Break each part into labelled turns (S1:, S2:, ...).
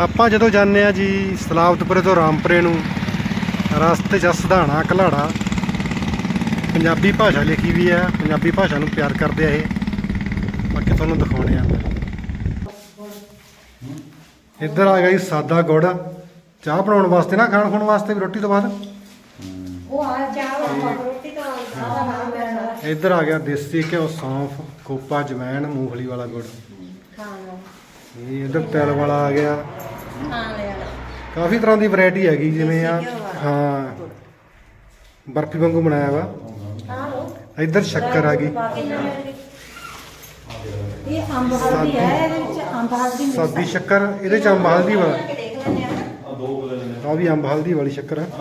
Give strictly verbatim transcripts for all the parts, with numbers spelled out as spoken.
S1: ਆਪਾਂ ਜਦੋਂ ਜਾਂਦੇ ਆ ਜੀ ਸਲਾਵਤਪੁਰੇ ਤੋਂ ਰਾਮਪੁਰੇ ਨੂੰ ਰਸਤੇ 'ਚ ਸਧਾਣਾ ਘਲਾੜਾ ਪੰਜਾਬੀ ਭਾਸ਼ਾ ਲਿਖੀ ਵੀ ਆ। ਪੰਜਾਬੀ ਭਾਸ਼ਾ ਨੂੰ ਪਿਆਰ ਕਰਦੇ ਆ ਇਹ। ਬਾਕੀ ਤੁਹਾਨੂੰ ਦਿਖਾਉਣੇ ਆ। ਇੱਧਰ ਆ ਗਿਆ ਜੀ ਸਾਦਾ ਗੁੜ ਚਾਹ ਬਣਾਉਣ ਵਾਸਤੇ ਨਾ, ਖਾਣ ਖੁਣ ਵਾਸਤੇ ਵੀ ਰੋਟੀ ਤੋਂ ਬਾਅਦ। ਇੱਧਰ ਆ ਗਿਆ ਦੇਸੀ ਘਿਓ, ਸੌਂਫ, ਖੋਪਾ, ਜਵੈਣ, ਮੂੰਗਫਲੀ ਵਾਲਾ ਗੁੜ। ਇਹ ਇੱਧਰ ਤਿਲ ਵਾਲਾ ਆ ਗਿਆ। ਕਾਫੀ ਤਰ੍ਹਾਂ ਦੀ ਵੈਰਾਈਟੀ ਹੈਗੀ, ਜਿਵੇਂ ਆ ਹਾਂ ਬਰਫੀ ਵਾਂਗੂ ਬਣਾਇਆ ਵਾ। ਇੱਧਰ ਸ਼ੱਕਰ ਆ ਗਈ, ਸਾਦੀ ਸ਼ੱਕਰ। ਇਹਦੇ ਚ ਅੰਬ ਹਲਦੀ ਵਾਲਾ, ਆ ਵੀ ਅੰਬ ਹਲਦੀ ਵਾਲੀ ਸ਼ੱਕਰ ਆ।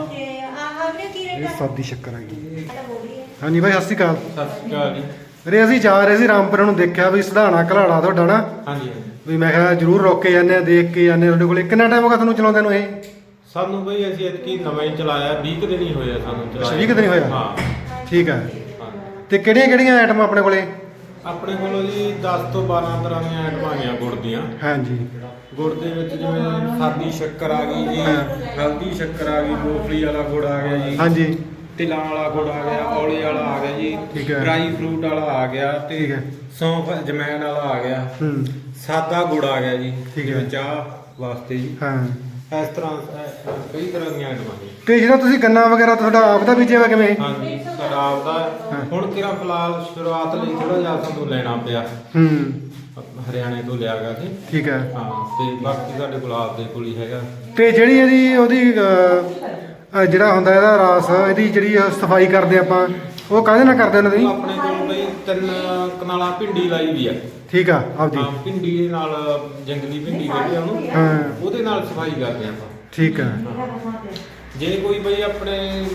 S1: ਇਹ ਸਾਦੀ ਸ਼ੱਕਰ ਹੈਗੀ। ਹਾਂਜੀ ਬਾਈ ਸਤਿ ਸ਼੍ਰੀ ਅਕਾਲ।
S2: ਸਤਿ ਸ਼੍ਰੀ ਅਕਾਲ ਜੀ।
S1: ਵੀਰੇ ਅਸੀਂ ਜਾ ਰਹੇ ਸੀ ਰਾਮਪੁਰੇ ਨੂੰ, ਦੇਖਿਆ ਵੀ ਸਧਾਣਾ ਘਲਾੜਾ ਤੁਹਾਡਾ ਨਾ।
S2: ਹਾਂਜੀ
S1: ਵੀ ਮੈਂ ਕਿਹਾ ਜ਼ਰੂਰ ਰੋਕ ਕੇ ਜਾਂਦੇ ਆ, ਦੇਖ ਕੇ ਜਾਂਦੇ ਆ ਤੁਹਾਡੇ ਕੋਲੇ। ਕਿੰਨਾ ਟਾਈਮ ਹੋ ਗਿਆ ਤੁਹਾਨੂੰ ਚਲਾਉਂਦੇ ਨੂੰ ਇਹ?
S2: ਸਾਨੂੰ ਬਈ ਅਸੀਂ ਇਤਕੀ ਨਵਾਂ ਹੀ ਚਲਾਇਆ, ਵੀਹ ਕੁ ਦਿਨ ਹੀ ਹੋਇਆ ਸਾਨੂੰ ਚਲਾਇਆ।
S1: ਵੀਹ ਕੁ ਦਿਨ ਹੀ ਹੋਇਆ?
S2: ਹਾਂ
S1: ਠੀਕ ਹੈ।
S2: ਹਾਂ।
S1: ਤੇ ਕਿਹੜੀਆਂ ਕਿਹੜੀਆਂ ਆਈਟਮਾਂ ਆਪਣੇ ਕੋਲੇ?
S2: ਆਪਣੇ ਕੋਲੋਂ ਜੀ ਦਸ ਤੋਂ ਬਾਰਾਂ ਤਰ੍ਹਾਂ ਦੀਆਂ ਆਈਟਮਾਂ ਆਈਆਂ ਗੁੜ ਦੀਆਂ।
S1: ਹਾਂਜੀ।
S2: ਗੁੜ ਦੇ ਵਿੱਚ ਜਿਵੇਂ ਸਾਦੀ ਸ਼ੱਕਰ ਆ ਗਈ ਜੀ, ਹਲਦੀ ਸ਼ੱਕਰ ਆ ਗਈ, ਮੂੰਗਫਲੀ ਵਾਲਾ ਗੁੜ ਆ ਗਿਆ ਜੀ,
S1: ਹਾਂਜੀ।
S2: ਤਿਲਾਂ ਵਾਲਾ ਗੁੜ ਆ ਗਿਆ, ਔਲੇ ਵਾਲਾ ਆ ਗਿਆ ਜੀ,
S1: ਠੀਕ ਹੈ।
S2: ਡਰਾਈ ਫਰੂਟ ਵਾਲਾ ਆ ਗਿਆ,
S1: ਠੀਕ
S2: ਤੇ
S1: ਹੈ।
S2: ਸੌਂਫ ਜਮੈਨ ਵਾਲਾ ਆ ਗਿਆ,
S1: ਹੂੰ
S2: ਸਾਦਾ ਗੁੜ ਆ ਗਿਆ ਜੀ,
S1: ਠੀਕ ਹੈ।
S2: ਜਿਵੇਂ ਚਾਹ ਵਾਸਤੇ ਜੀ।
S1: ਹਾਂ।
S2: ਇਸ ਤਰ੍ਹਾਂ ਅਹ, ਕਈ ਤਰ੍ਹਾਂ ਦੀਆਂ ਆਈਟਮਾਂ ਜੀ।
S1: ਤੇ ਜਿਹੜਾ ਤੁਸੀਂ ਗੰਨਾ ਵਗੈਰਾ ਤੁਹਾਡਾ ਆਪ ਦਾ ਬੀਜਿਆ ਵਾ ਕਿਵੇਂ?
S2: ਹਾਂਜੀ ਸਾਡਾ ਆਪਦਾ
S1: ਹਾਂ।
S2: ਹੁਣ ਕਿਹੜਾ ਫਿਲਹਾਲ ਸ਼ੁਰੂਆਤ ਲਈ ਥੋੜਾ ਜਿਹਾ ਸਾਨੂੰ ਲੈਣਾ ਪਿਆ,
S1: ਹੂੰ
S2: ਹਰਿਆਣੇ ਤੋਂ ਲਿਆ ਗਿਆ ਸੀ।
S1: ਠੀਕ ਹੈ।
S2: ਹਾਂ ਤੇ ਬਾਕੀ ਸਾਡੇ ਗੁਲਾਬ ਦੇ ਕੋਲ ਹੀ ਹੈਗਾ।
S1: ਤੇ ਜਿਹੜੀ ਇਹਦੀ ਉਹਦੀ ਅਹ, ਅਹ ਜਿਹੜਾ ਹੁੰਦਾ ਇਹਦਾ ਰਾਸ, ਇਹਦੀ ਜਿਹੜੀ ਸਫਾਈ ਕਰਦੇ ਆਪਾਂ, ਉਹ ਕਾਹਦੇ ਨਾਲ ਕਰਦੇ ਉਹਨਾਂ ਦੀ?
S2: ਆਪਣੇ ਕੋਲ ਬਈ ਤਿੰਨ ਕਨਾਲਾਂ ਭਿੰਡੀ ਲਾਈ ਵੀ ਆ।
S1: ਠੀਕ ਆ ਆਪਦੀ।
S2: ਹਾਂ ਭਿੰਡੀ ਦੇ ਨਾਲ ਜੰਗਲੀ ਭਿੰਡੀ ਜਿਹੜੀ ਆ ਉਹਨੂੰ,
S1: ਹਾਂ
S2: ਉਹਦੇ ਨਾਲ ਸਫਾਈ ਕਰਦੇ ਆਪਾਂ।
S1: ਠੀਕ ਆ।
S2: ਜੇ ਕੋਈ ਬਈ ਆਪਣੇ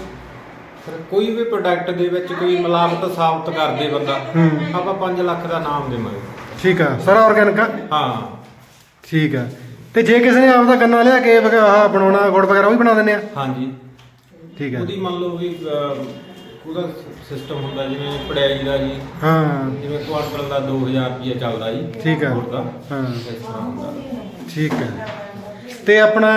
S2: ਕੋਈ ਵੀ ਪ੍ਰੋਡਕਟ ਦੇ ਵਿੱਚ ਕੋਈ ਮਿਲਾਵਟ ਸਾਬਤ ਕਰਦੇ ਬੰਦਾ,
S1: ਹੂੰ
S2: ਆਪਾਂ ਪੰਜ ਲੱਖ ਦਾ ਨਾਮ ਦੇਵਾਂਗੇ।
S1: ਠੀਕ ਆ। ਸਾਰਾ ਆਰਗੈਨਿਕ ਆ?
S2: ਹਾਂ
S1: ਠੀਕ ਆ। ਤੇ ਜੇ ਕਿਸੇ ਨੇ ਆਪਦਾ ਗੰਨਾ ਲਿਆ ਕੇ ਵਗ- ਆਹ ਬਣਾਉਣਾ ਗੁੜ ਵਗੈਰਾ, ਉਹ ਵੀ ਬਣਾ ਦਿੰਦੇ ਆ?
S2: ਹਾਂਜੀ।
S1: ਠੀਕ ਆ।
S2: ਉਹਦੀ ਮੰਨ ਲਓ ਵੀ ਅਹ, ਉਹਦਾ ਸਿਸਟਮ ਹੁੰਦਾ ਜਿਵੇਂ ਪੜਾਈ ਦਾ ਜੀ,
S1: ਹਾਂ
S2: ਜਿਵੇਂ ਕੁਆਂਟਲ ਦਾ ਦੋ ਹਜ਼ਾਰ ਰੁਪਏ ਚੱਲਦਾ ਜੀ।
S1: ਠੀਕ ਆ।
S2: ਗੁੜ ਦਾ
S1: ਹਾਂ
S2: ਇਸ ਤਰ੍ਹਾਂ ਹੁੰਦਾ।
S1: ਠੀਕ ਆ। ਤੇ ਆਪਣਾ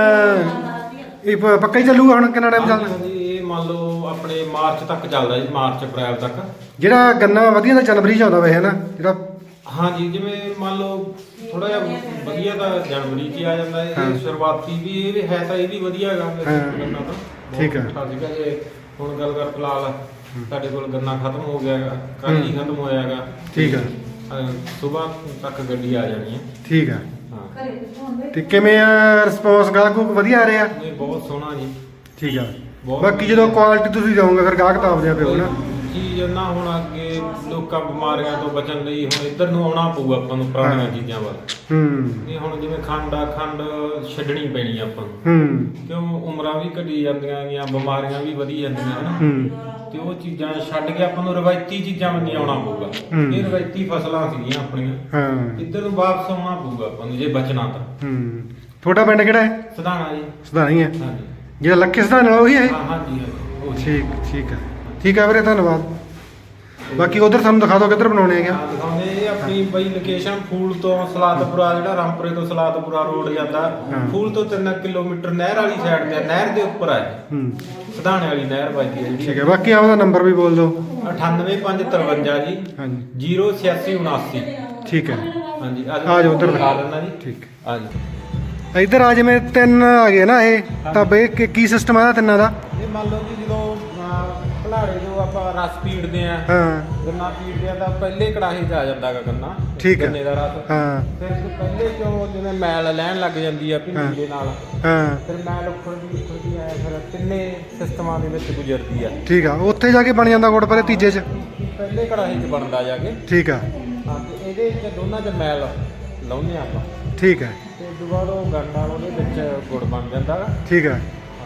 S1: ਇਹ ਪ- ਪੱਕਾ ਹੀ ਚੱਲੂਗਾ ਹੁਣ? ਕਿੰਨਾ ਟਾਈਮ ਚੱਲਦਾ?
S2: ਹਾਂਜੀ, ਇਹ ਮੰਨ ਲਓ ਆਪਣੇ ਮਾਰਚ ਤੱਕ ਚੱਲਦਾ ਜੀ, ਮਾਰਚ ਅਪ੍ਰੈਲ ਤੱਕ।
S1: ਜਿਹੜਾ ਗੰਨਾ ਵਧੀਆ ਦਾ ਜਨਵਰੀ ਚ ਆਉਂਦਾ ਵੇ ਹੈ ਨਾ ਜਿਹੜਾ?
S2: ਹਾਂਜੀ ਜਿਵੇਂ ਮੰਨ ਲਓ ਥੋੜਾ ਜਿਹਾ ਵਧੀਆ ਤਾਂ ਜਨਵਰੀ 'ਚ ਹੀ ਆ ਜਾਂਦਾ ਹੈ।
S1: ਹਾਂ।
S2: ਇਹ ਸ਼ੁਰੂਆਤੀ ਵੀ ਇਹ ਵੀ ਹੈ ਤਾਂ ਇਹ ਵੀ ਵਧੀਆ ਹੈਗਾ
S1: ਹਾਂ।
S2: ਗੰਨਾ ਤਾਂ।
S1: ਠੀਕ ਆ।
S2: ਬਹੁਤ ਠੀਕ ਹੈ। ਜੇ ਹੁਣ ਗੱਲ ਕਰ ਫਿਲਹਾਲ ਸਾਡੇ ਕੋਲ ਗੰਨਾ ਖਤਮ ਹੋ ਗਿਆ ਹੈਗਾ, ਕੱਲ੍ਹ ਹੀ ਖਤਮ ਹੋਇਆ ਹੈਗਾ।
S1: ਠੀਕ ਆ।
S2: ਸਵੇਰ ਤੱਕ ਗੱਡੀ ਆ ਜਾਣੀ ਹੈ।
S1: ਠੀਕ ਆ।
S2: ਹਾਂ
S1: ਤੇ ਕਿਵੇਂ ਆ ਰਿਸਪੌਂਸ? ਗਾਹਕ ਗੂਹਕ ਵਧੀਆ ਆ ਰਿਹਾ?
S2: ਨਹੀਂ ਬਹੁਤ ਸੋਹਣਾ ਜੀ।
S1: ਠੀਕ ਆ।
S2: ਬਹੁਤ
S1: ਬਾਕੀ ਜਦੋਂ ਕੁਆਲਿਟੀ ਤੁਸੀਂ ਜਾਓਗੇ ਫਿਰ ਗਾਹਕ ਤਾਂ ਆਪਦੇ ਆਪੇ ਹੋਣਾ।
S2: ਚੀਜ਼ ਨਾ ਹੁਣ ਅੱਗੇ ਲੋਕਾਂ ਬਿਮਾਰੀਆਂ ਤੋਂ ਬਚਣ ਲਈ ਹੁਣ ਇੱਧਰ ਨੂੰ ਆਉਣਾ ਪਊ ਆਪਾਂ ਨੂੰ, ਪੁਰਾਣੀਆਂ
S1: ਹਾਂ।
S2: ਚੀਜ਼ਾਂ ਵੱਲ।
S1: ਹੂੰ
S2: ਇਹ ਹੁਣ ਜਿਵੇਂ ਖੰਡ ਆ, ਖੰਡ ਛੱਡਣੀ ਪੈਣੀ ਆ ਆਪਾਂ ਨੂੰ,
S1: ਹੂੰ
S2: ਕਿਉਂ ਉਮਰਾਂ ਵੀ ਘਟੀ ਜਾਂਦੀਆਂ ਗੀਆਂ, ਬਿਮਾਰੀਆਂ ਵੀ ਵਧੀ ਜਾਂਦੀਆਂ ਹਨ।
S1: ਹੂੰ
S2: ਤੇ ਉਹ ਚੀਜ਼ਾਂ ਛੱਡ ਕੇ ਆਪਾਂ ਨੂੰ ਰਵਾਇਤੀ ਚੀਜ਼ਾਂ ਵੱਲ ਆਉਣਾ ਪਊਗਾ।
S1: ਹੂੰ।
S2: ਇਹ ਰਵਾਇਤੀ ਫਸਲਾਂ ਸੀਗੀਆਂ ਆਪਣੀਆਂ,
S1: ਹਾਂ
S2: ਇੱਧਰ ਨੂੰ ਵਾਪਸ ਆਉਣਾ ਪਊਗਾ ਆਪਾਂ ਨੂੰ ਜੇ ਬਚਣਾ ਤਾਂ।
S1: ਹੂੰ ਤੁਹਾਡਾ ਪਿੰਡ ਕਿਹੜਾ ਹੈ?
S2: ਸਧਾਣਾ ਜੀ।
S1: ਸਧਾਣਾ ਹੀ ਹੈ?
S2: ਹਾਂਜੀ
S1: ਜਿਹੜਾ ਲੱਖੇ ਸਧਾਣਾ ਵਾਲਾ ਉਹੀ ਹੈ?
S2: ਹਾਂ ਹਾਂਜੀ ਹਾਂਜੀ, ਉਹ
S1: ਠੀਕ ਠੀਕ ਹੈ। ਠੀਕ ਹੈ ਵੀਰੇ, ਧੰਨਵਾਦ। ਬਾਕੀ ਉਧਰ ਸਾਨੂੰ ਦਿਖਾ ਦਿਓ ਕਿੱਧਰ ਬਣਾਉਣੇ ਹੈਗੇ?
S2: ਹਾਂ ਦਿਖਾਉਂਦੇ। ਇਹ ਆਪਣੀ ਬਈ ਲੋਕੇਸ਼ਨ ਫੂਲ ਤੋਂ ਸਲਾਦਪੁਰਾ, ਜਿਹੜਾ ਰਾਮਪੁਰੇ ਤੋਂ ਸਲਾਦਪੁਰਾ ਰੋਡ ਜਾਂਦਾ,
S1: ਹਾਂ।
S2: ਫੂਲ ਤੋਂ ਤਿੰਨ ਕਿਲੋਮੀਟਰ ਨਹਿਰ ਵਾਲੀ ਸਾਈਡ ਤੇ, ਨਹਿਰ ਦੇ ਉੱਪਰ ਆ
S1: ਹੂੰ
S2: ਸਧਾਣੇ ਵਾਲੀ ਨਹਿਰ ਵੱਜਦੀ ਹੈ
S1: ਠੀਕ
S2: ਜਿਹੜੀ।
S1: ਹੈ। ਬਾਕੀ ਆਪਦਾ ਨੰਬਰ ਵੀ ਬੋਲ ਦਿਓ।
S2: ਅਠਾਨਵੇਂ ਪੰਜ ਤਰਵੰਜਾ ਜੀ,
S1: ਹਾਂਜੀ
S2: ਜ਼ੀਰੋ ਛਿਆਸੀ ਉਨਾਸੀ।
S1: ਠੀਕ ਹੈ।
S2: ਹਾਂਜੀ
S1: ਆ ਜਾਓ ਉੱਧਰ
S2: ਦਿਖਾ ਦਿੰਦਾ ਜੀ।
S1: ਠੀਕ।
S2: ਆ ਜੀ।
S1: ਇੱਧਰ ਆ ਜਿਵੇਂ ਤਿੰਨ ਆ ਗਏ ਨਾ ਇਹ, ਤਾਂ ਬਈ ਕੀ- ਕੀ ਸਿਸਟਮ ਆ ਤਿੰਨਾਂ ਦਾ?
S2: ਇਹ ਮੰਨ ਲਓ ਜੀ ਜਦੋਂ ਘਲਾੜੇ ਜੋ ਆਪਾਂ ਰਸ ਪੀੜਦੇ ਆ,
S1: ਹਾਂ
S2: ਗੰਨਾ ਪੀੜਦੇ ਆ ਤਾਂ ਪਹਿਲੇ ਕੜਾਹੀ 'ਚ ਆ ਜਾਂਦਾ ਹੈਗਾ ਗੰਨਾ,
S1: ਠੀਕ ਹੈ।
S2: ਗੰਨੇ ਦਾ ਰਸ।
S1: ਹਾਂ
S2: ਫਿਰ ਪਹਿਲੇ ਚੋਂ ਜਿਵੇਂ ਮੈਲ ਲੈਣ ਲੱਗ ਜਾਂਦੀ ਆ
S1: ਹਾਂ।
S2: ਭਿੰਡੀ ਦੇ ਨਾਲ,
S1: ਹਾਂ
S2: ਫਿਰ ਮੈਲ ਉੱਖੜਦੀ ਉੱਖੜਦੀ ਆਇਆ, ਫਿਰ ਤਿੰਨੇ ਸਿਸਟਮਾਂ ਦੇ ਵਿੱਚ ਗੁਜ਼ਰਦੀ ਆ।
S1: ਠੀਕ ਆ। ਉੱਥੇ ਜਾ ਕੇ ਬਣ ਜਾਂਦਾ ਗੁੜ ਪਰ ਤੀਜੇ 'ਚ?
S2: ਪਹਿਲੇ ਕੜਾਹੀ 'ਚ ਬਣਦਾ ਜਾ ਕੇ।
S1: ਠੀਕ ਆ।
S2: ਹਾਂ ਤੇ ਇਹਦੇ ਵਿੱਚ ਦੋਨਾਂ 'ਚ ਮੈਲ ਲਾਉਂਦੇ ਆ ਆਪਾਂ,
S1: ਠੀਕ ਹੈ।
S2: ਤੇ ਉਸ ਤੋਂ ਬਾਅਦ ਉਹ ਗੰਡਾ ਉਹਦੇ ਵਿੱਚ ਗੁੜ ਬਣ ਜਾਂਦਾ ਗਾ।
S1: ਠੀਕ ਹੈ।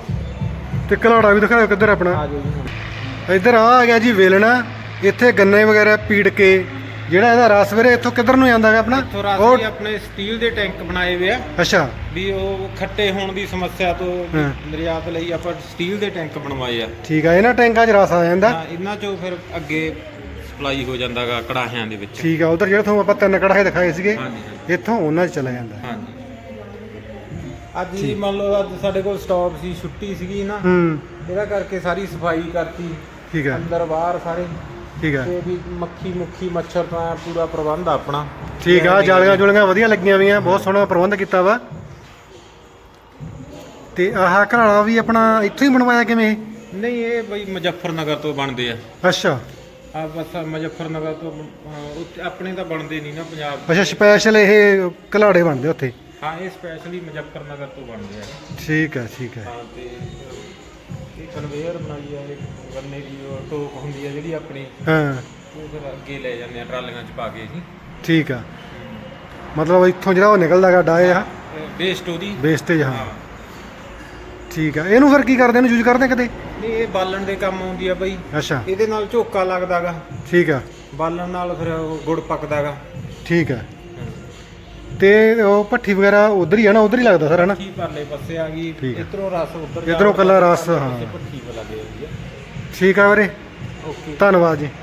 S1: ਤੇ ਘਲਾੜਾ ਵੀ ਦਿਖਾਓ ਕਿੱਧਰ ਆਪਣਾ?
S2: ਆ ਜਾਓ ਜੀ ਹੁਣ।
S1: ਇੱਧਰ ਆ ਆ ਗਿਆ ਜੀ ਵੇਲਣਾ। ਇੱਥੇ ਗੰਨੇ ਵਗੈਰਾ ਪੀੜ ਕੇ ਜਿਹੜਾ ਇਹਦਾ ਰਸ ਵੀਰੇ ਇੱਥੋਂ ਕਿੱਧਰ ਨੂੰ ਜਾਂਦਾ ਹੈਗਾ ਆਪਣਾ?
S2: ਇੱਥੋਂ ਰਸ
S1: ਉਹ
S2: ਵੀ ਆਪਣੇ ਸਟੀਲ ਦੇ ਟੈਂਕ ਬਣਾਏ ਹੋਏ ਆ
S1: ਅੱਛਾ।
S2: ਵੀ ਉਹ ਖੱਟੇ ਹੋਣ ਦੀ ਸਮੱਸਿਆ ਤੋਂ
S1: ਹਾਂ।
S2: ਨਿਰਯਾਤ ਲਈ ਆਪਾਂ ਸਟੀਲ ਦੇ ਟੈਂਕ ਬਣਵਾਏ ਆ।
S1: ਠੀਕ ਆ। ਇਹਨਾਂ ਟੈਂਕਾਂ 'ਚ ਰਸ ਆ ਜਾਂਦਾ?
S2: ਹਾਂ, ਇਹਨਾਂ ਚੋਂ ਫਿਰ ਅੱਗੇ ਸਪਲਾਈ ਹੋ ਜਾਂਦਾਗਾ ਕੜਾਹਿਆਂ ਦੇ ਵਿੱਚ।
S1: ਠੀਕ ਆ। ਉਧਰ ਜਿਹੜਾ ਤੁਹਾਨੂੰ ਆਪਾਂ ਤਿੰਨ ਕੜਾਹੇ ਦਿਖਾਏ ਸੀਗੇ,
S2: ਹਾਂਜੀ
S1: ਇੱਥੋਂ ਉਹਨਾਂ 'ਚ ਚਲਾ ਜਾਂਦਾ।
S2: ਹਾਂਜੀ। ਅੱਜ ਜੀ ਮੰਨ ਲਓ ਅੱਜ ਸਾਡੇ ਕੋਲ ਸਟਾਪ ਸੀ, ਛੁੱਟੀ ਸੀਗੀ ਨਾ,
S1: ਹੂੰ
S2: ਇਹਦਾ ਕਰਕੇ ਸਾਰੀ ਸਫਾਈ ਕਰਤੀ,
S1: ਠੀਕ ਹੈ
S2: ਅੰਦਰ ਬਾਹਰ ਸਾਰੇ,
S1: ਠੀਕ ਹੈ
S2: ਤੇ ਵੀ ਮੱਖੀ ਮੁੱਖੀ ਮੱਛਰ ਦਾ ਪੂਰਾ ਪ੍ਰਬੰਧ ਆ ਆਪਣਾ।
S1: ਠੀਕ ਆ, ਜਾਲੀਆਂ ਜੁਲੀਆਂ ਵਧੀਆ ਲੱਗੀਆਂ ਹੋਈਆਂ, ਬਹੁਤ ਸੋਹਣਾ ਪ੍ਰਬੰਧ ਕੀਤਾ ਵਾ। ਤੇ ਆਹ ਘਰਾਲਾ ਵੀ ਆਪਣਾ ਇੱਥੋਂ ਹੀ ਬਣਵਾਇਆ ਕਿਵੇਂ ਇਹ?
S2: ਨਹੀਂ ਇਹ ਬਈ ਮੁਜ਼ੱਫਰਨਗਰ ਤੋਂ ਬਣਦੇ ਆ।
S1: ਅੱਛਾ
S2: ਆ ਬਸ ਮੁਜ਼ੱਫਰਨਗਰ ਤੋਂ ਅਹ, ਉੱਥੇ ਆਪਣੇ ਤਾਂ ਬਣਦੇ ਨਹੀਂ ਨਾ ਪੰਜਾਬ।
S1: ਅੱਛਾ ਸਪੈਸ਼ਲ ਇਹ ਘਲਾੜੇ ਬਣਦੇ ਉੱਥੇ?
S2: ਹਾਂ ਇਹ ਸਪੈਸ਼ਲੀ ਮੁਜ਼ੱਫਰਨਗਰ ਤੋਂ ਬਣਦੇ ਆ।
S1: ਠੀਕ ਹੈ ਠੀਕ ਹੈ।
S2: ਹਾਂ ਤੇ ਇਹ ਕਨਵੇਅਰ ਬਣਾਈ ਆ, ਇਹ ਗੰਨੇ ਦੀ ਉਹ ਟੋਕ ਹੁੰਦੀ ਆ ਜਿਹੜੀ ਆਪਣੀ,
S1: ਹਾਂ
S2: ਉਹ ਫਿਰ ਅੱਗੇ ਲੈ ਜਾਂਦੇ ਆ ਟਰਾਲੀਆਂ 'ਚ ਪਾ ਕੇ ਜੀ।
S1: ਠੀਕ ਆ, ਮਤਲਬ ਇੱਥੋਂ ਜਿਹੜਾ ਉਹ ਨਿਕਲਦਾ ਗਾ ਡਾਏ ਆ
S2: ਵੇਸਟ ਉਹਦੀ
S1: ਵੇਸਟੇਜ। ਹਾਂ ਠੀਕ ਆ, ਇਹਨੂੰ ਫਿਰ ਕੀ ਕਰਦੇ ਨੇ, ਯੂਜ਼ ਕਰਦੇ ਕਦੇ?
S2: ਨਹੀਂ ਇਹ ਬਾਲਣ ਦੇ ਕੰਮ ਆਉਂਦੀ ਆ ਬਈ।
S1: ਅੱਛਾ
S2: ਇਹਦੇ ਨਾਲ ਝੋਕਾ ਲੱਗਦਾਗਾ,
S1: ਠੀਕ ਆ,
S2: ਬਾਲਣ ਨਾਲ ਫਿਰ ਉਹ ਗੁੜ ਪੱਕਦਾਗਾ।
S1: ਠੀਕ ਆ। ਤੇ ਉਹ ਭੱਠੀ ਵਗੈਰਾ ਉਧਰ ਹੀ ਆ ਨਾ, ਉਧਰ ਹੀ ਲੱਗਦਾ ਸਰ ਹੈ ਨਾ?
S2: ਭੱਠੀ ਪਰਲੇ ਪਾਸੇ ਆ ਗਈ,
S1: ਠੀਕ ਆ।
S2: ਇੱਧਰੋਂ ਰਸ ਉੱਧਰ
S1: ਇੱਧਰੋਂ ਕੱਲਾ ਰਸ, ਹਾਂ।
S2: ਭੱਠੀ ਪਾ ਲੱਗੇ ਹੋਈ ਆ।
S1: ਠੀਕ ਆ ਵੀਰੇ,
S2: ਓਕੇ
S1: ਧੰਨਵਾਦ ਜੀ।